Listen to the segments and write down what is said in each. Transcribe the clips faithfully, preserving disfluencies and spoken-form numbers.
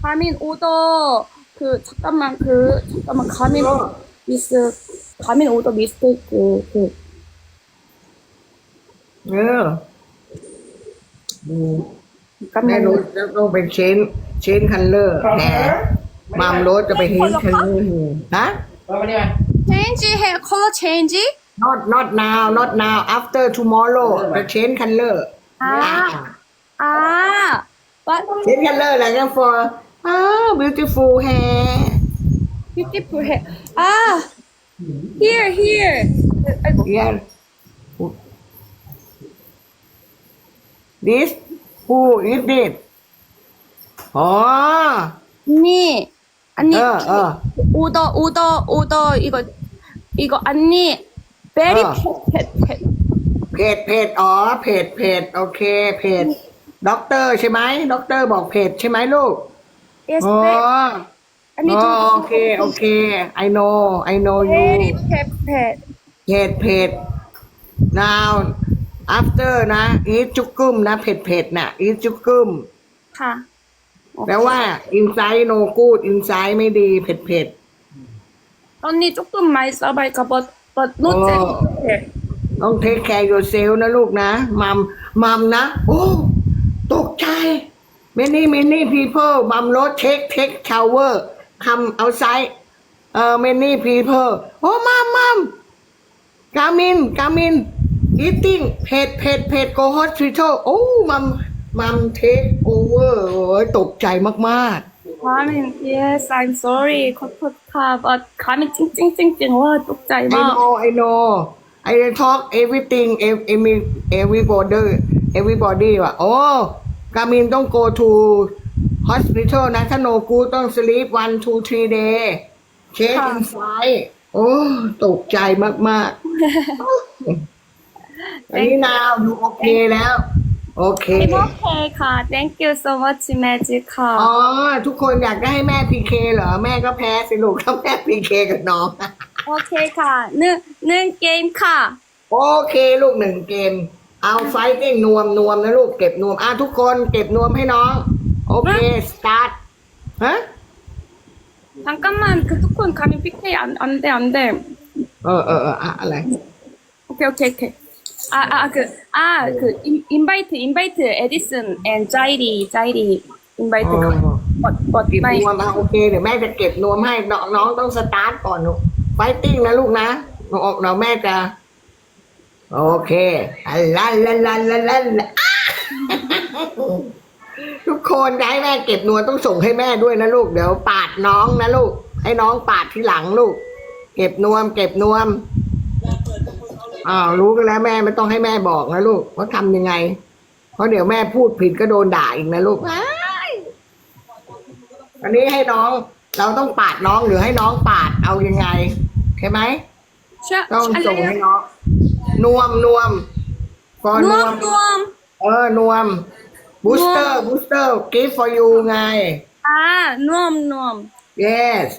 가민 오더 그 잠깐만 그 잠깐만 가민 미스 가민 오더 미스테이크 그 เออดูแม่ 잠깐만 รถจะต้องเป็นเชนเชนคันเลอร์แหมมามรถจะไปเชนคันเลอร์ฮะ 체인지 해 컬러 체인지 not not now not now after tomorrow จะเชนคันเลอร์ 아 아 what เชนคันเลอร์อะไรกัน for อ้าว beautiful hair beautiful hair 아 here here 아이고 yeah this who is this อ๋อ 언니 언니 어, 어. 오더 오더 오더 이거 이거 언니 very 어. 펫펫펫 เพจเพจอ๋อเพจเพจโอเคเพจด็อกเตอร์ใช่ไหมด็อกเตอร์บอกเพจใช่ไหมลูก yes อ๋อ 언니 อ๋อ 좀 โอเคโอเค I know I know you very 펫펫 เพจเพจ now after นะ eat จุกกุมนะเพจเพจน่ะ eat จุกกุมค่ะแปลว่า inside no good inside ไม่ดีเผ็ดเผ็ด 언니 조금 많이 써봐니까 but but not 어. very ต้อง take care yourself นะลูกนะมัมมัมนะ โอ้ตกใจ many many people มัมรถ take take shower come outside เอ่อ many people โอ้มัมมัมกามินกามิน eating เผ็ดเผ็ดเผ็ด go hospital โอ้มัมมัม take over โอ้ยตกใจมากๆ 가민 yes I'm sorry 컷컷카 but 가민 찡찡찡찡 와 똑짜이 I 막 know, I know. I talk everything, ev- every everybody, everybody ว่ะโอ้กามินต้อง go to hospital นะถ้า no good ต้อง sleep one two three day check ค่ะ inside โอ้ตกใจมากๆ อันนี้นาวดูโอเคแล้ว โอเค I'm okay ค่ะ thank you so much magic ค่ะอ๋อ ทุกคนอยากได้ให้แม่พีเคเหรอ แม่ก็แพ้สิลูกถ้าแม่พีเคกับน้องโอเคค่ะหนึ่งหนึ่งเกมค่ะโอเคลูกหนึ่งเกม เอาไฟติ้งนวมนวมนะลูกเก็บนวมอ่ะทุกคนเก็บนวมให้น้อง โอเค สตาร์ทฮะ 잠깐만 그 뚜콘 가민 피케이 안, 안 돼, 안 돼. เออเออเอออะอะไร 오케이, 오케이, 오케이. 아, 아, 그, 아, 그, 인, 인바이트, 인바이트, 에디슨, 앤 자이리, 자이리, 인바이트. 어. but, but, เก็บ my, นวมอ่ะโอเคเดี๋ยวแม่จะเก็บนวมให้น้องน้องต้องสตาร์ทก่อนลูกไฟติ้งนะลูกนะเราเราแม่จะ โอเคลันลันลันลันลันลันอ่ะ ทุกคนได้แม่เก็บนวมต้องส่งให้แม่ด้วยนะลูกเดี๋ยวปาดน้องนะลูก ให้น้องปาดที่หลังลูก เก็บนวม เก็บนวมอ้าวรู้กันแล้วแม่ไม่ต้องให้แม่บอกนะลูกว่าทำยังไง เพราะเดี๋ยวแม่พูดผิดก็โดนด่าอีกนะลูกอ้ายอันนี้ให้น้อง เราต้องปาดน้องหรือให้น้องปาดเอายังไงใช่ไหม 샤, ต้องส่งให้ 샬레요. น้องนวมนวมก่อนนวม 누엄, 누엄. เออนวมบูสเตอร์บูสเตอร์ give for you ไง 아, 누엄, 누엄. yes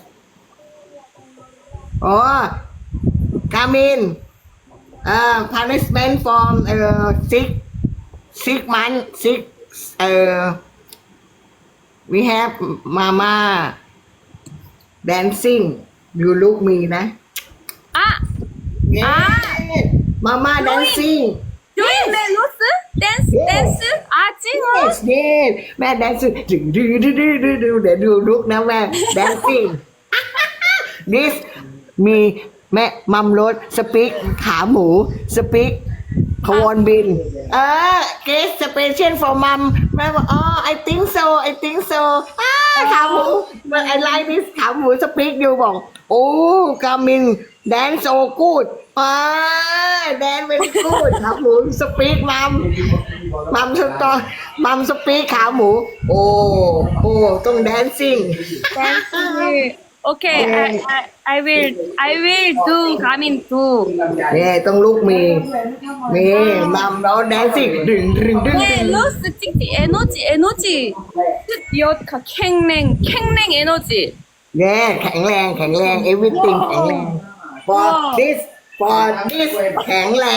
อ๋อ กามินเอ่อ punishment from เอ่อ six six month six เอ่อ we have mama dancing you look me นะ 아, yes mama dancing doing 멜로스? 댄스, Yes. 댄스? 아, 찡어? yes yes แม่ dancing ดึงดึงดึงดึงดึงดึงเดี๋ยวดูลุกนะแม่ dancing this มีแม่มัมรถสปิกขาหมูสปิกขวอนบิน เออ guest special for mom แม่บอกอ๋อ I think so I think so อ้าขาหมู but I like this ขาหมูสปิกอยู่บอก โอ้กามิน dance so good อ่า dance very good ขาหมูสปิกมัมมัมสตอมัมสปิกขาหมู โอ้โอ้ต้อง dancing 댄스. 오케이, I, I, I will, I will do, 가민 do. เนี่ยต้องลูกมีมีมัมแล้วแดนซิ่งดึงดึงดึงดึง 멜로스, 찡찡, 에너지, 에너지. 여tka, 캥랭, 캥랭 에너지. เนี่ยแข็งแรงแข็งแรง everything แข็งแรง for this for this แข็งแรง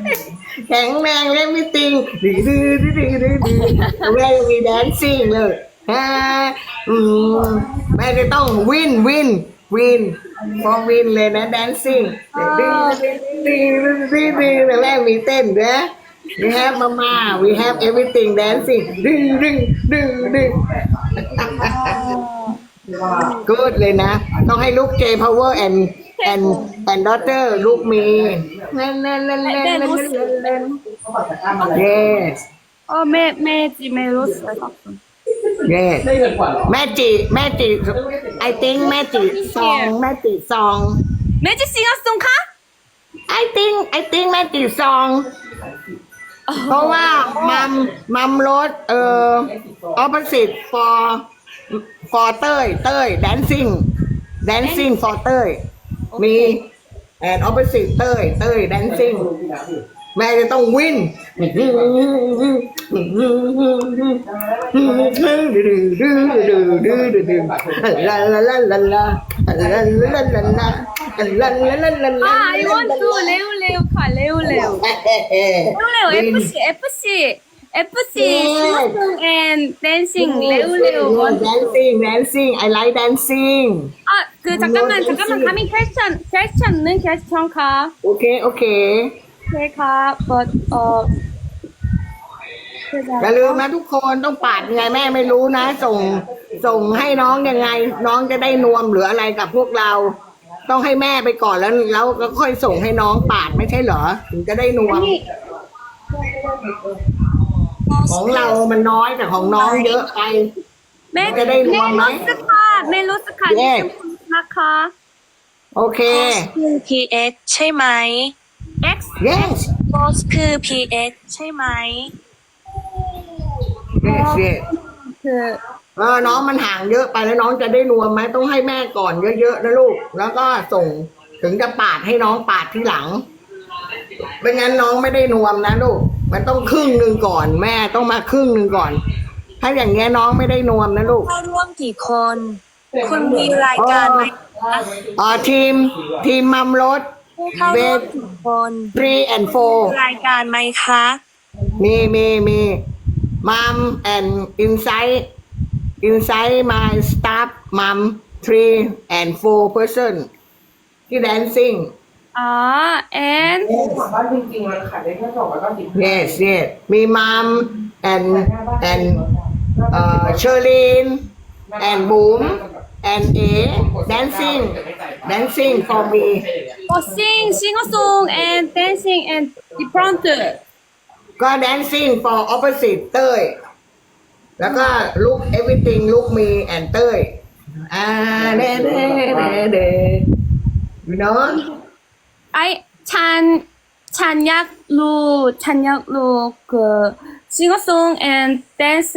แข็งแรง everything ดึงดึงดึงดึงดึงดึงแม่มีแดนซิ่งเลยอ่าอืมแม่จะต้องวินวินวินฟอร์วินเลยนะ dancing ดึงดึงดึงดึงดึงดึงแม่มีเต้นนะ we have mama we have everything dancing ดึงดึงดึงดึง good เลยนะ ต้องให้ลูก J power and and and daughter ลูกมีเล่นเล่นเล่นเล่นเล่นเล่นเล่น yes 어, 매, 매지, 매로스. yes แม่จิแม่จิ I think แม่จิซองแม่จิซอง 매지 싱어송카? I think I think แม่จิซอง เพราะว่ามัมมัมรถเอ่อ opposite for for เต้ยเต้ย dancing dancing for เต้ยมี and opposite เต้ยเต้ย dancing แม่จะต้องวินลาลาลาลาลาลาลาลาลาลาลาลาลาลาลาลา 아, I want to 레오 레오 카 레오 레오. 레오 레오 에프씨 에프씨 에프씨 싱어송 and dancing 레오 레오 want. dancing dancing I like dancing 아, 그 잠깐만 잠깐만 coming question question는 question 카. โอเคโอเค 오케이 카 but 어 อย่าลืมนะทุกคนต้องปาดยังไงแม่ไม่รู้นะ ส่งส่งให้น้องยังไง น้องจะได้นวมหรืออะไรกับพวกเรา ต้องให้แม่ไปก่อนแล้วแล้วก็ค่อยส่งให้น้องปาดไม่ใช่เหรอถึงจะได้นวม ของเรามันน้อยแต่ของน้องเยอะไป 멜 จะได้รวมไหม 멜로스 카 멜로스 카 Yes. 나카 โอเคคือ พี เอ็กซ์ ใช่ไหม X yes โพสคือ พี เอ็กซ์ ใช่ไหม yes yes 그 เออน้องมันห่างเยอะไปแล้วน้องจะได้นวมไหมต้องให้แม่ก่อนเยอะๆนะลูก แล้วก็ส่งถึงจะปาดให้น้องปาดที่หลังไม่งั้นน้องไม่ได้นวมนะลูก มันต้องครึ่งหนึ่งก่อน แม่ต้องมาครึ่งหนึ่งก่อน ถ้าอย่างเงี้ยน้องไม่ได้นวมนะลูกเข้าร่วมกี่คน คุณมีรายการไหมคะอ๋อทีมทีมมัมรถผู้เข้าร่วมกี่คน three and four รายการไหมคะมีมีมีมัม and inside inside my staff mom three and four person ที่ dancing 아, and ถามว่าจริงๆมันขายได้แค่สองร้อยเก้าสิบ yes yes มีมัม and and เอ่อ Sherlyn and Boom and A dancing dancing for me 어, sing, 싱어송 and dancing and different. ก็ dancing for opposite เต้ย แล้วก็ look everything look me and เต้ยอ่าเด้เด้เด้เด้ you know I 찬 찬약루 찬약루 그 싱어송 and dance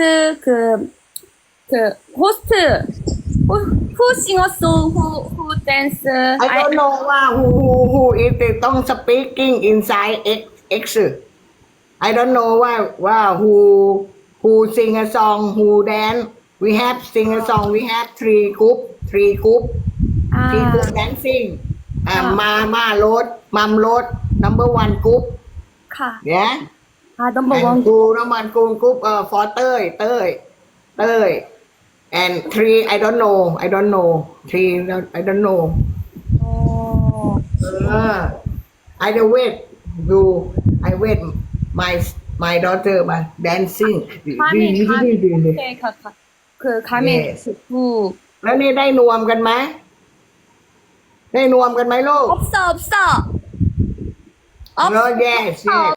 그그 호스트 who who 싱어송 who who dance I don't know ว่า who who who is it ต้อง speaking inside X X I don't know ว่าว่า who who sing a song who dance we have sing a song we have three group three group three group 아, dancing อ่ามามาโรดมัมโรด number one group 카. yeah 아, number and one. two number one group group เอ่อ for เต้ยเต้ยเต้ย and three I don't know I don't know three I don't know 어, เออ I will wait you I wait my my daughter มา dancing 가민 가민 오케이 가 가. 그 가민 Yes. 그 แล้วนี่ได้นวมกันไหมได้นวมกันไหมลูก 없어 없어. เออ yes yes